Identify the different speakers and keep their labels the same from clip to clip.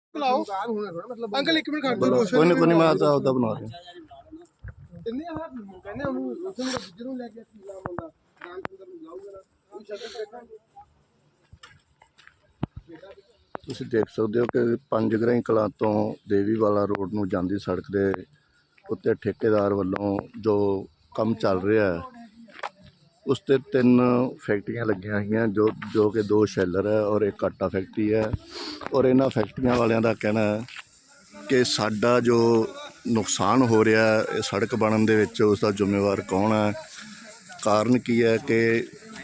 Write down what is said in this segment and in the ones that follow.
Speaker 1: बुलाओ अंकल एक मिनट खड़ जाओ
Speaker 2: कोई नहीं मैं तो आपदा बना रहा
Speaker 1: ਇੰਨੇ ਆ ਕਹਿੰਦੇ ਉਹਨੂੰ ਉੱਥੇ ਨੂੰ ਦੂਜੇ ਨੂੰ ਲੈ ਕੇ ਕੀ ਨਾਮ ਹੁੰਦਾ ਰਾਮਚੰਦਰ ਨੂੰ ਲਾਊਗਾ ਨਾ ਉਹ ਸ਼ਕਲ ਦੇਖਾਂਗੇ।
Speaker 2: ਤੁਸੀਂ ਦੇਖ ਸਕਦੇ ਹੋ ਕਿ ਪੰਜਗਰਾਈ ਕਲਾਂ ਤੋਂ ਦੇਵੀਵਾਲਾ ਰੋਡ ਨੂੰ ਜਾਂਦੀ ਸੜਕ ਦੇ ਉੱਤੇ ਠੇਕੇਦਾਰ ਵੱਲੋਂ ਜੋ ਕੰਮ ਚੱਲ ਰਿਹਾ ਹੈ ਉਸ ਤੇ 3 ਫੈਕਟਰੀਆਂ ਲੱਗੀਆਂ ਹੋਈਆਂ ਜੋ ਕਿ 2 ਸ਼ੈਲਰ ਹੈ ਔਰ ਇੱਕ ਆਟਾ ਫੈਕਟਰੀ ਹੈ। ਔਰ ਇਹਨਾਂ ਫੈਕਟਰੀਆਂ ਵਾਲਿਆਂ ਦਾ ਕਹਿਣਾ ਹੈ ਕਿ ਸਾਡਾ ਜੋ ਨੁਕਸਾਨ ਹੋ ਰਿਹਾ ਇਹ ਸੜਕ ਬਣਨ ਦੇ ਵਿੱਚ ਉਸ ਦਾ ਜ਼ਿੰਮੇਵਾਰ ਕੌਣ ਹੈ। ਕਾਰਨ ਕੀ ਹੈ ਕਿ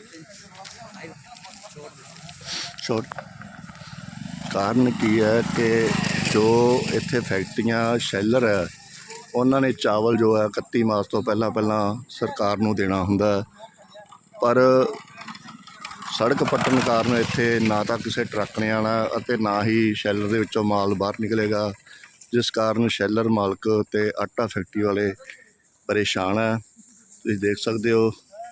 Speaker 2: ਕਾਰਨ ਕੀ ਹੈ ਕਿ ਜੋ ਇੱਥੇ ਫੈਕਟਰੀਆਂ ਸ਼ੈਲਰ ਹੈ ਉਹਨਾਂ ਨੇ ਚਾਵਲ ਜੋ ਹੈ 31 ਮਾਰਚ ਤੋਂ ਪਹਿਲਾਂ ਸਰਕਾਰ ਨੂੰ ਦੇਣਾ ਹੁੰਦਾ, ਪਰ ਸੜਕ ਪੱਟਣ ਕਾਰਨ ਇੱਥੇ ਨਾ ਤਾਂ ਕਿਸੇ ਟਰੱਕ ਨੇ ਆਉਣਾ ਅਤੇ ਨਾ ਹੀ ਸ਼ੈਲਰ ਦੇ ਵਿੱਚੋਂ ਮਾਲ ਬਾਹਰ ਨਿਕਲੇਗਾ, ਜਿਸ ਕਾਰਨ ਸ਼ੈਲਰ ਮਾਲਕ ਅਤੇ ਆਟਾ ਫੈਕਟਰੀ ਵਾਲੇ ਪਰੇਸ਼ਾਨ ਹੈ। ਤੁਸੀਂ ਦੇਖ ਸਕਦੇ ਹੋ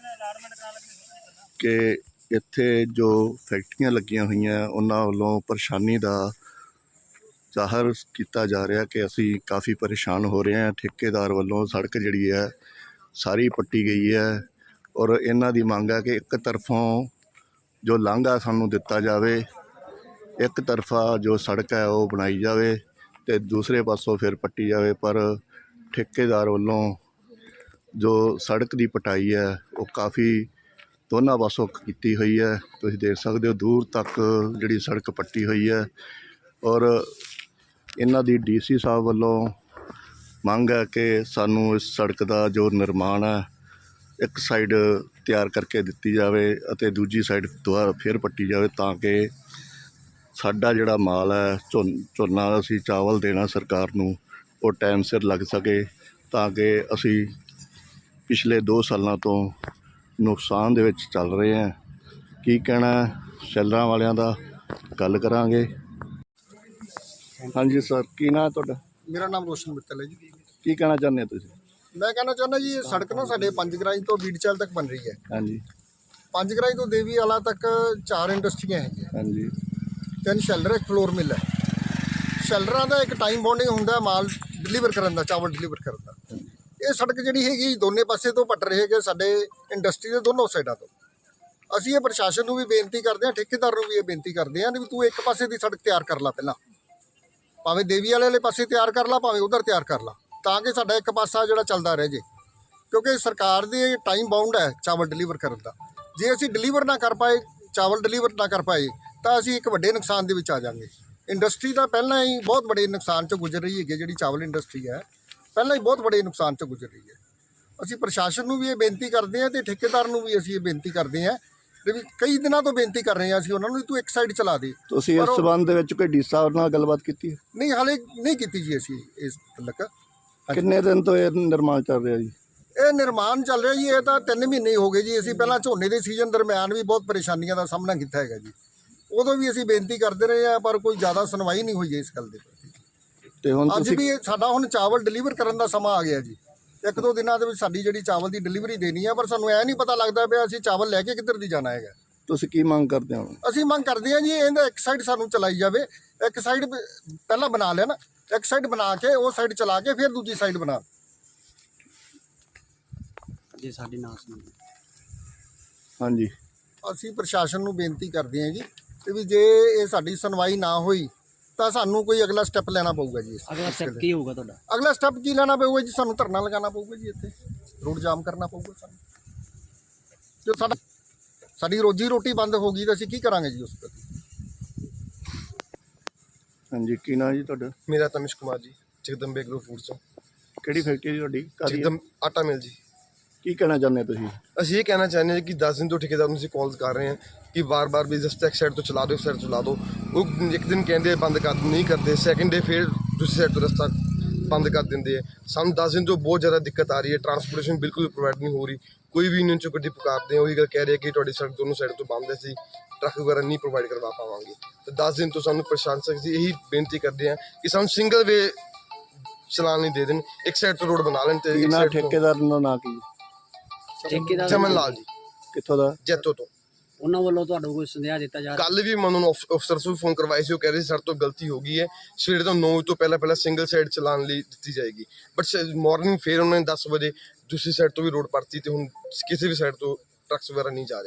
Speaker 2: ਕਿ ਇੱਥੇ ਜੋ ਫੈਕਟਰੀਆਂ ਲੱਗੀਆਂ ਹੋਈਆਂ ਉਹਨਾਂ ਵੱਲੋਂ ਪਰੇਸ਼ਾਨੀ ਦਾ ਜ਼ਾਹਰ ਕੀਤਾ ਜਾ ਰਿਹਾ ਕਿ ਅਸੀਂ ਕਾਫੀ ਪਰੇਸ਼ਾਨ ਹੋ ਰਹੇ ਹਾਂ। ਠੇਕੇਦਾਰ ਵੱਲੋਂ ਸੜਕ ਜਿਹੜੀ ਹੈ ਸਾਰੀ ਪੱਟੀ ਗਈ ਹੈ ਔਰ ਇਹਨਾਂ ਦੀ ਮੰਗ ਹੈ ਕਿ ਇੱਕ ਤਰਫੋਂ ਜੋ ਲਾਂਘਾ ਸਾਨੂੰ ਦਿੱਤਾ ਜਾਵੇ, ਇੱਕ ਤਰਫਾ ਜੋ ਸੜਕ ਹੈ ਉਹ ਬਣਾਈ ਜਾਵੇ ਅਤੇ ਦੂਸਰੇ ਪਾਸੋਂ ਫਿਰ ਪੱਟੀ ਜਾਵੇ। ਪਰ ਠੇਕੇਦਾਰ ਵੱਲੋਂ ਜੋ ਸੜਕ ਦੀ ਪਟਾਈ ਹੈ ਉਹ ਕਾਫੀ ਦੋਨਾਂ ਪਾਸੋਂ ਕੀਤੀ ਹੋਈ ਹੈ। ਤੁਸੀਂ ਦੇਖ ਸਕਦੇ ਹੋ ਦੂਰ ਤੱਕ ਜਿਹੜੀ ਸੜਕ ਪੱਟੀ ਹੋਈ ਹੈ ਔਰ ਇਹਨਾਂ ਦੀ DC ਸਾਹਿਬ ਵੱਲੋਂ ਮੰਗ ਹੈ ਕਿ ਸਾਨੂੰ ਇਸ ਸੜਕ ਦਾ ਜੋ ਨਿਰਮਾਣ ਹੈ ਇੱਕ ਸਾਈਡ ਤਿਆਰ ਕਰਕੇ ਦਿੱਤੀ ਜਾਵੇ ਅਤੇ ਦੂਜੀ ਸਾਈਡ ਦੁਬਾਰਾ ਫਿਰ ਪੱਟੀ ਜਾਵੇ ਤਾਂ ਕਿ ਸਾਡਾ ਜਿਹੜਾ ਮਾਲ ਹੈ ਝੋਨਾ ਅਸੀਂ ਚਾਵਲ ਦੇਣਾ ਸਰਕਾਰ ਨੂੰ ਉਹ ਟਾਈਮ ਸਿਰ ਲੱਗ ਸਕੇ, ਤਾਂ ਕਿ ਅਸੀਂ ਪਿਛਲੇ 2 ਸਾਲਾਂ ਤੋਂ ਨੁਕਸਾਨ ਦੇ ਵਿੱਚ ਚੱਲ ਰਹੇ ਹਾਂ। ਕੀ ਕਹਿਣਾ ਸ਼ੈਲਰਾਂ ਵਾਲਿਆਂ ਦਾ ਗੱਲ ਕਰਾਂਗੇ। ਹਾਂਜੀ ਸਰ, ਕੀ ਨਾਂ ਤੁਹਾਡਾ?
Speaker 1: ਮੇਰਾ ਨਾਮ ਰੋਸ਼ਨ ਮਿੱਤਲ ਹੈ ਜੀ।
Speaker 2: ਕੀ ਕਹਿਣਾ ਚਾਹੁੰਦੇ ਹੋ ਤੁਸੀਂ?
Speaker 1: ਮੈਂ ਕਹਿਣਾ ਚਾਹੁੰਦਾ ਜੀ ਇਹ ਸੜਕ ਨਾ ਸਾਡੇ ਪੰਜਗਰਾਈ ਤੋਂ ਬੀੜਚਲ ਤੱਕ ਬਣ ਰਹੀ ਹੈ।
Speaker 2: ਹਾਂਜੀ
Speaker 1: ਪੰਜਗਰਾਈ ਤੋਂ ਦੇਵੀਵਾਲਾ ਤੱਕ 4 ਇੰਡਸਟਰੀਆਂ ਹੈਗੀਆਂ,
Speaker 2: ਹਾਂਜੀ
Speaker 1: 3 ਸ਼ੈਲਰ, ਇੱਕ ਫਲੋਰ ਮਿਲ ਹੈ। ਸ਼ੈਲਰਾਂ ਦਾ ਇੱਕ ਟਾਈਮ ਬਾਉਂਡਿੰਗ ਹੁੰਦਾ ਮਾਲ ਡਿਲੀਵਰ ਕਰਨ ਦਾ, ਚਾਵਲ ਡਿਲੀਵਰ ਕਰਨ ਦਾ। ਇਹ ਸੜਕ ਜਿਹੜੀ ਹੈਗੀ ਦੋਨੇ ਪਾਸੇ ਤੋਂ ਪੱਟ ਰਹੇ ਹੈਗੇ ਸਾਡੇ ਇੰਡਸਟਰੀ ਦੇ ਦੋਨੋਂ ਸਾਈਡਾਂ ਤੋਂ। ਅਸੀਂ ਇਹ ਪ੍ਰਸ਼ਾਸਨ ਨੂੰ ਵੀ ਬੇਨਤੀ ਕਰਦੇ ਹਾਂ, ਠੇਕੇਦਾਰ ਨੂੰ ਵੀ ਇਹ ਬੇਨਤੀ ਕਰਦੇ ਹਾਂ ਵੀ ਤੂੰ ਇੱਕ ਪਾਸੇ ਦੀ ਸੜਕ ਤਿਆਰ ਕਰ ਲਾ, ਪਹਿਲਾਂ ਭਾਵੇਂ ਦੇਵੀਵਾਲੇ ਵਾਲੇ ਪਾਸੇ ਤਿਆਰ ਕਰ ਲਾ ਭਾਵੇਂ ਉਧਰ ਤਿਆਰ ਕਰ ਲਾ, ਤਾਂ ਕਿ ਸਾਡਾ ਇੱਕ ਪਾਸਾ ਜਿਹੜਾ ਚੱਲਦਾ ਰਹਿ ਜੇ। ਕਿਉਂਕਿ ਸਰਕਾਰ ਦੀ ਟਾਈਮ ਬਾਉਂਡ ਹੈ ਚਾਵਲ ਡਿਲੀਵਰ ਕਰਨ ਦਾ। ਜੇ ਅਸੀਂ ਡਿਲੀਵਰ ਨਾ ਕਰ ਪਾਏ, ਚਾਵਲ ਡਿਲੀਵਰ ਨਾ ਕਰ ਪਾਏ ਤਾਂ ਅਸੀਂ ਇੱਕ ਵੱਡੇ ਨੁਕਸਾਨ ਦੇ ਵਿੱਚ ਆ ਜਾਵਾਂਗੇ। ਇੰਡਸਟਰੀ ਦਾ ਪਹਿਲਾਂ ਹੀ ਬਹੁਤ ਵੱਡੇ ਨੁਕਸਾਨ 'ਚ ਗੁਜ਼ਰ ਰਹੀ ਹੈਗੀ, ਜਿਹੜੀ ਚਾਵਲ ਇੰਡਸਟਰੀ ਹੈ ਪਹਿਲਾਂ ਹੀ ਬਹੁਤ ਵੱਡੇ ਨੁਕਸਾਨ 'ਚ ਗੁਜ਼ਰ ਰਹੀ ਹੈ। ਅਸੀਂ ਪ੍ਰਸ਼ਾਸਨ ਨੂੰ ਵੀ ਇਹ ਬੇਨਤੀ ਕਰਦੇ ਹਾਂ ਅਤੇ ਠੇਕੇਦਾਰ ਨੂੰ ਵੀ ਅਸੀਂ ਇਹ ਬੇਨਤੀ ਕਰਦੇ ਹਾਂ ਵੀ ਕਈ ਦਿਨਾਂ ਤੋਂ ਬੇਨਤੀ ਕਰ ਰਹੇ ਹਾਂ ਅਸੀਂ ਉਹਨਾਂ ਨੂੰ, ਤੂੰ ਇੱਕ ਸਾਈਡ ਚਲਾ ਦੇ।
Speaker 2: ਤੁਸੀਂ ਇਸ ਸਬੰਧ ਦੇ ਵਿੱਚ ਕੋਈ ਡੀ ਸਾਹਿਬ ਨਾਲ ਗੱਲਬਾਤ ਕੀਤੀ ਹੈ?
Speaker 1: ਨਹੀਂ, ਹਾਲੇ ਨਹੀਂ ਕੀਤੀ ਜੀ ਅਸੀਂ ਇਸ ਤੱਕ।
Speaker 2: ਕਿੰਨੇ ਦਿਨ ਤੋਂ ਇਹ ਨਿਰਮਾਣ ਚੱਲ ਰਿਹਾ ਜੀ?
Speaker 1: ਇਹ ਨਿਰਮਾਣ ਚੱਲ ਰਿਹਾ ਜੀ, ਇਹ ਤਾਂ 3 ਮਹੀਨੇ ਹੋ ਗਏ ਜੀ। ਅਸੀਂ ਪਹਿਲਾਂ ਝੋਨੇ ਦੇ ਸੀਜ਼ਨ ਦਰਮਿਆਨ ਵੀ ਬਹੁਤ ਪਰੇਸ਼ਾਨੀਆਂ ਦਾ ਸਾਹਮਣਾ ਕੀਤਾ ਹੈਗਾ ਜੀ। ਉਦੋਂ ਵੀ ਅਸੀਂ ਬੇਨਤੀ ਕਰਦੇ ਰਹੇ ਹਾਂ ਪਰ ਕੋਈ ਜ਼ਿਆਦਾ ਸੁਣਵਾਈ ਨਹੀਂ ਹੋਈ ਇਸ ਗੱਲ ਦੇ ਪ੍ਰਤੀ।
Speaker 2: ਤੇ ਹੁਣ
Speaker 1: ਅੱਜ ਵੀ ਸਾਡਾ ਹੁਣ ਚਾਵਲ ਡਿਲੀਵਰ ਕਰਨ ਦਾ ਸਮਾਂ ਆ ਗਿਆ ਜੀ। 1-2 ਦਿਨਾਂ ਦੇ ਵਿੱਚ ਸਾਡੀ ਜਿਹੜੀ ਚਾਵਲ ਦੀ ਡਿਲੀਵਰੀ ਦੇਣੀ ਹੈ, ਪਰ ਸਾਨੂੰ ਇਹ ਨਹੀਂ ਪਤਾ ਲੱਗਦਾ ਪਿਆ ਅਸੀਂ ਚਾਵਲ ਲੈ ਕੇ ਕਿੱਧਰ ਦੀ ਜਾਣਾ ਹੈਗਾ।
Speaker 2: ਤੁਸੀਂ ਕੀ ਮੰਗ ਕਰਦੇ ਹੋ?
Speaker 1: ਅਸੀਂ ਮੰਗ ਕਰਦੇ ਹਾਂ ਜੀ ਇਹਦਾ ਇੱਕ ਸਾਈਡ ਸਾਨੂੰ ਚਲਾਈ ਜਾਵੇ। ਇੱਕ ਸਾਈਡ ਪਹਿਲਾਂ ਬਣਾ ਲੈਣ, ਇੱਕ ਸਾਈਡ ਬਣਾ ਕੇ ਉਹ ਸਾਈਡ ਚਲਾ ਕੇ ਫਿਰ ਦੂਜੀ ਸਾਈਡ ਬਣਾ।
Speaker 3: ਜੇ ਸਾਡੀ ਨਾ ਸੁਣਦੇ
Speaker 2: ਹਾਂਜੀ,
Speaker 1: ਅਸੀਂ ਪ੍ਰਸ਼ਾਸਨ ਨੂੰ ਬੇਨਤੀ ਕਰਦੇ ਹਾਂ ਜੀ ਤੇ ਵੀ ਜੇ ਇਹ ਸਾਡੀ ਸੁਣਵਾਈ ਨਾ ਹੋਈ ਤਾਂ ਸਾਨੂੰ ਕੋਈ ਅਗਲਾ ਸਟੈਪ ਲੈਣਾ ਪਊਗਾ ਜੀ।
Speaker 3: ਅਗਲਾ ਸਟੈਪ ਕੀ ਹੋਊਗਾ ਤੁਹਾਡਾ?
Speaker 1: ਅਗਲਾ ਸਟੈਪ ਕੀ ਲੈਣਾ ਪਊਗਾ ਜੀ? ਸਾਨੂੰ ਧਰਨਾ ਲਗਾਉਣਾ ਪਊਗਾ ਜੀ, ਇੱਥੇ ਰੋਡ ਜਾਮ ਕਰਨਾ ਪਊਗਾ ਸਾਨੂੰ। ਜੋ ਸਾਡੀ ਰੋਜੀ ਰੋਟੀ ਬੰਦ ਹੋ ਗਈ ਤਾਂ ਅਸੀਂ ਕੀ ਕਰਾਂਗੇ ਜੀ ਉਸ ਪ੍ਰਤੀ?
Speaker 2: ਹਾਂਜੀ, ਕੀ ਨਾਂ ਜੀ ਤੁਹਾਡਾ?
Speaker 4: ਮੇਰਾ ਤਮਿਸ਼ ਕੁਮਾਰ ਜੀ, ਜਗਦੰਬੇ ਐਗਰੋ ਫੂਡਸ ਤੋਂ।
Speaker 2: ਕਿਹੜੀ ਫੈਕਟਰੀ ਤੁਹਾਡੀ? ਕਾਹਦੀ ਹੈ?
Speaker 4: ਜਗਦਮ ਆਟਾ ਮਿਲ ਜੀ।
Speaker 2: ਕੀ ਕਹਿਣਾ ਚਾਹੁੰਦੇ ਤੁਸੀਂ?
Speaker 4: ਅਸੀਂ ਇਹ ਕਹਿਣਾ ਚਾਹੁੰਦੇ ਹਾਂ ਕਿ 10 ਦਿਨ ਤੋਂ ਠੇਕੇਦਾਰ ਨੂੰ ਅਸੀਂ ਕਾਲਸ ਕਰ ਰਹੇ ਹਾਂ ਕਿ ਵਾਰ-ਵਾਰ ਵੀ ਜਸਟ ਇੱਕ ਸਾਈਡ ਤੋਂ ਚਲਾ ਦਿਓ, ਇੱਕ ਸਾਈਡ ਚਲਾ ਦਿਓ। ਉਹ ਇੱਕ ਦਿਨ ਕਹਿੰਦੇ ਬੰਦ ਕਰ ਨਹੀਂ ਕਰਦੇ, ਸੈਕਿੰਡ ਡੇ ਫਿਰ ਦੂਸਰੀ ਸਾਈਡ ਤੋਂ ਰਸਤਾ ਬੰਦ ਕਰ ਦਿੰਦੇ ਆ। ਸਾਨੂੰ 10 ਦਿਨ ਤੋਂ ਬਹੁਤ ਜ਼ਿਆਦਾ ਦਿੱਕਤ ਆ ਰਹੀ ਹੈ, ਟਰਾਂਸਪੋਰਟੇਸ਼ਨ ਬਿਲਕੁਲ ਪ੍ਰੋਵਾਈਡ ਨਹੀਂ ਹੋ ਰਹੀ। ਕੋਈ ਵੀ ਯੂਨੀਅਨ 'ਚੋਂ ਗੱਡੀ ਪੁਕਾਰਦੇ ਆ ਉਹੀ ਗੱਲ ਕਹਿ ਰਹੇ ਕਿ ਤੁਹਾਡੀ ਸੜਕ ਦੋਨੋਂ ਸਾਈਡ ਤੋਂ ਬੰਦ ਹੈ, ਅਸੀਂ ਟਰੱਕ ਵਗੈਰਾ ਨਹੀਂ ਪ੍ਰੋਵਾਈਡ ਕਰਵਾ ਪਾਵਾਂਗੇ। ਤਾਂ 10 ਦਿਨ ਤੋਂ ਸਾਨੂੰ ਪ੍ਰਸ਼ਾਸਨ ਅਸੀਂ ਇਹੀ ਬੇਨਤੀ ਕਰਦੇ ਹਾਂ ਕਿ ਸਾਨੂੰ ਸਿੰਗਲ ਵੇ ਚਲਾਨ ਨਹੀਂ ਦੇ ਦੇਣ, ਇੱਕ ਸਾਈਡ ਤੋਂ ਰੋਡ ਬਣਾ ਲੈਣ। ਤੇ
Speaker 2: ਠੇਕੇਦਾਰ ਦਾ ਨਾਂ ਕੀ?
Speaker 3: ਠੇਕੇਦਾਰ
Speaker 4: ਚਮਨ ਲਾਲ ਜੀ।
Speaker 2: ਕਿੱਥੋਂ ਦਾ?
Speaker 4: ਜੈਤੋ ਤੋਂ।
Speaker 3: ਉਹਨਾਂ ਵੱਲੋਂ ਤੁਹਾਨੂੰ ਕੋਈ ਸੁਨੇਹਾ ਦਿੱਤਾ ਜਾ ਰਿਹਾ?
Speaker 4: ਕੱਲ ਵੀ ਮੈਂ ਉਹਨਾਂ ਨੂੰ ਅਫਸਰਸ ਨੂੰ ਫੋਨ ਕਰਵਾਏ ਸੀ, ਉਹ ਕਹਿ ਰਹੇ ਸੀ ਸਾਡੇ ਤੋਂ ਗਲਤੀ ਹੋ ਗਈ ਹੈ, ਸਵੇਰੇ ਤੋਂ 9 ਵਜੇ ਤੋਂ ਪਹਿਲਾਂ ਸਿੰਗਲ ਸਾਈਡ ਚਲਾਉਣ ਲਈ ਦਿੱਤੀ ਜਾਏਗੀ, ਬਟ ਮਾਰਨਿੰਗ ਫਿਰ ਉਹਨਾਂ ਨੇ 10 ਵਜੇ ਦੂਸਰੀ ਸਾਈਡ ਤੋਂ ਵੀ ਰੋਡ ਪੜਤੀ ਤੇ ਹੁਣ ਕਿਸੇ ਵੀ ਸਾਈਡ ਤੋਂ ਟਰੱਕਸ ਵਗੈਰਾ ਨਹੀਂ ਜਾ ਰਹੇ।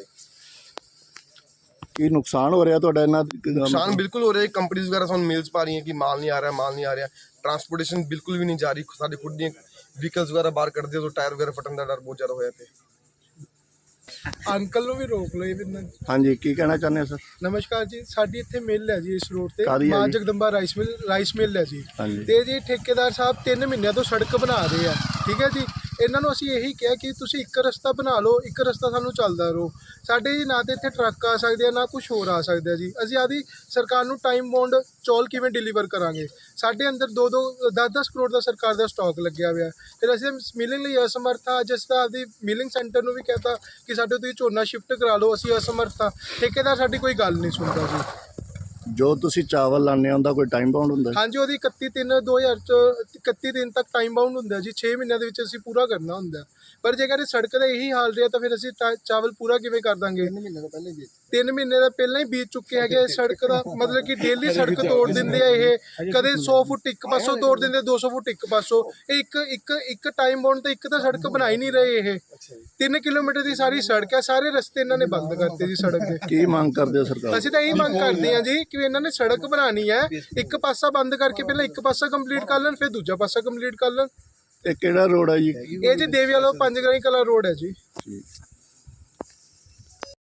Speaker 2: ਕੀ ਨੁਕਸਾਨ ਹੋ ਰਿਹਾ ਤੁਹਾਡਾ ਇਹਨਾਂ
Speaker 4: ਨੁਕਸਾਨ ਬਿਲਕੁਲ ਹੋ ਰਿਹਾ ਹੈ, ਕੰਪਨੀਜ਼ ਵਗੈਰਾ ਸਾਨੂੰ ਮੇਲਸ ਪਾ ਰਹੀਆਂ ਕਿ ਮਾਲ ਨਹੀਂ ਆ ਰਿਹਾ, ਟਰਾਂਸਪੋਰਟੇਸ਼ਨ ਬਿਲਕੁਲ ਵੀ ਨਹੀਂ ਜਾ ਰਹੀ, ਸਾਡੇ ਖੁਦ ਦੀਆਂ ਵਹੀਕਲਸ ਵਗੈਰਾ ਬਾਹਰ ਕੱਢਦੇ ਤਾਂ ਟਾਇਰ ਵਗੈਰਾ ਫਟਣ ਦਾ ਡਰ ਬਹੁਤ ਜ਼ਿਆਦਾ ਹੋਇਆ ਪਿਆ।
Speaker 5: ਅੰਕਲ ਨੂੰ ਵੀ ਰੋਕ ਲਓ ਇਹ ਵੀ।
Speaker 2: ਹਾਂਜੀ, ਕੀ ਕਹਿਣਾ ਚਾਹੁੰਦੇ ਹੋ ਸਰ?
Speaker 5: ਨਮਸਕਾਰ ਜੀ, ਸਾਡੀ ਇੱਥੇ ਮਿੱਲ ਹੈ ਜੀ ਇਸ ਰੋਡ ਤੇ,
Speaker 2: ਕਾਹਦੀ ਹੈ
Speaker 5: ਮਾਂ
Speaker 2: ਜੀ?
Speaker 5: ਜਗਦੰਬਾ ਰਾਈਸ ਮਿੱਲ ਹੈ ਜੀ।
Speaker 2: ਹਾਂਜੀ।
Speaker 5: ਤੇ ਜੀ ਠੇਕੇਦਾਰ ਸਾਹਿਬ 3 ਮਹੀਨਿਆਂ ਤੋਂ ਸੜਕ ਬਣਾ ਰਹੇ ਆ, ਠੀਕ ਹੈ ਜੀ। ਇਹਨਾਂ ਨੂੰ ਅਸੀਂ ਇਹੀ ਕਿਹਾ ਕਿ ਤੁਸੀਂ ਇੱਕ ਰਸਤਾ ਬਣਾ ਲਓ, ਇੱਕ ਰਸਤਾ ਸਾਨੂੰ ਚੱਲਦਾ ਰਹੋ। ਸਾਡੇ ਜੀ ਨਾ ਤੇ ਇੱਥੇ ਟਰੱਕ ਆ ਸਕਦੇ ਆ, ਨਾ ਕੁਝ ਹੋਰ ਆ ਸਕਦਾ ਜੀ। ਅਸੀਂ ਆਦੀ ਸਰਕਾਰ ਨੂੰ ਟਾਈਮ ਬੌਂਡ ਚੌਲ ਕਿਵੇਂ ਡਿਲੀਵਰ ਕਰਾਂਗੇ? ਸਾਡੇ ਅੰਦਰ 10-10 ਕਰੋੜ ਦਾ ਸਰਕਾਰ ਦਾ ਸਟਾਕ ਲੱਗਿਆ ਹੋਇਆ, ਫਿਰ ਅਸੀਂ ਮਿਲਿੰਗ ਲਈ ਅਸਮਰਥ ਹਾਂ। ਜਿਸ ਤਰ੍ਹਾਂ ਆਪਦੀ ਮਿਲਿੰਗ ਸੈਂਟਰ ਨੂੰ ਵੀ ਕਹਿਤਾ ਕਿ ਸਾਡੇ ਤੁਸੀਂ ਝੋਨਾ ਸ਼ਿਫਟ ਕਰਾ ਲਓ, ਅਸੀਂ ਅਸਮਰਥ ਹਾਂ। ਠੇਕੇਦਾਰ ਸਾਡੀ ਕੋਈ ਗੱਲ ਨਹੀਂ ਸੁਣਦਾ ਜੀ।
Speaker 2: ਜੋ ਤੁਸੀਂ ਚਾਵਲ ਲਾਉਂਦੇ ਹੋ ਉਹਦਾ ਕੋਈ ਟਾਈਮ ਬਾਉਂਡ ਹੁੰਦਾ?
Speaker 5: ਹਾਂਜੀ, ਉਹਦੀ 31/3/2031 ਦਿਨ ਤੱਕ ਟਾਈਮ ਬਾਉਂਡ ਹੁੰਦਾ ਜੀ। 6 ਮਹੀਨਿਆਂ ਦੇ ਵਿੱਚ ਅਸੀਂ ਪੂਰਾ ਕਰਨਾ ਹੁੰਦਾ। ਪਰ ਜੇਕਰ ਇਹ ਸੜਕ ਦਾ ਇਹੀ ਹਾਲ ਰਿਹਾ ਤਾਂ ਫਿਰ ਅਸੀਂ ਚਾਵਲ ਪੂਰਾ ਕਿਵੇਂ ਕਰ ਦਾਂਗੇ? 3 ਮਹੀਨੇ ਦਾ ਪਹਿਲਾਂ ਹੀ ਬੀਤ ਚੁੱਕੇ ਹੈਗੇ। ਸੜਕ ਦਾ ਮਤਲਬ ਕਿ ਡੇਲੀ ਸੜਕ ਤੋੜ ਦਿੰਦੇ ਆ ਇਹ, ਕਦੇ 100 ਫੁੱਟ ਇੱਕ ਪਾਸੋਂ ਤੋੜ ਦਿੰਦੇ, 200 ਫੁੱਟ ਇੱਕ ਪਾਸੋਂ। ਇਹ ਇੱਕ ਟਾਈਮ ਬਾਉਂਡ ਤੇ ਇੱਕ ਤਾਂ ਸੜਕ ਬਣਾ ਹੀ ਨਹੀਂ ਰਹੇ। ਇਹ 3 ਕਿਲੋਮੀਟਰ ਦੀ ਸਾਰੀ ਸੜਕ ਹੈ, ਸਾਰੇ ਰਸਤੇ ਇਹਨਾਂ ਨੇ ਬੰਦ ਕਰਤੇ ਜੀ ਸੜਕ ਦੇ।
Speaker 2: ਕੀ ਮੰਗ ਕਰਦੇ ਹੋ ਸਰਕਾਰ?
Speaker 5: ਅਸੀਂ ਤਾਂ ਇਹੀ ਮੰਗ ਕਰਦੇ ਹਾਂ ਜੀ ਕਿ ਇਹਨਾਂ ਨੇ ਸੜਕ ਬਣਾਉਣੀ ਹੈ, ਇੱਕ ਪਾਸਾ ਬੰਦ ਕਰਕੇ ਪਹਿਲਾਂ ਇੱਕ ਪਾਸਾ ਕੰਪਲੀਟ ਕਰ ਲੈਣ, ਫਿਰ ਦੂਜਾ ਪਾਸਾ ਕੰਪਲੀਟ ਕਰ ਲੈਣ।
Speaker 2: ਇਹ ਕਿਹੜਾ ਰੋਡ ਹੈ ਜੀ?
Speaker 5: ਇਹ ਜੀ ਦੇਵੀ ਵਾਲਾ 5 ਗਰਾਈ ਕਲਾ ਰੋਡ ਹੈ ਜੀ।
Speaker 2: ਠੀਕ।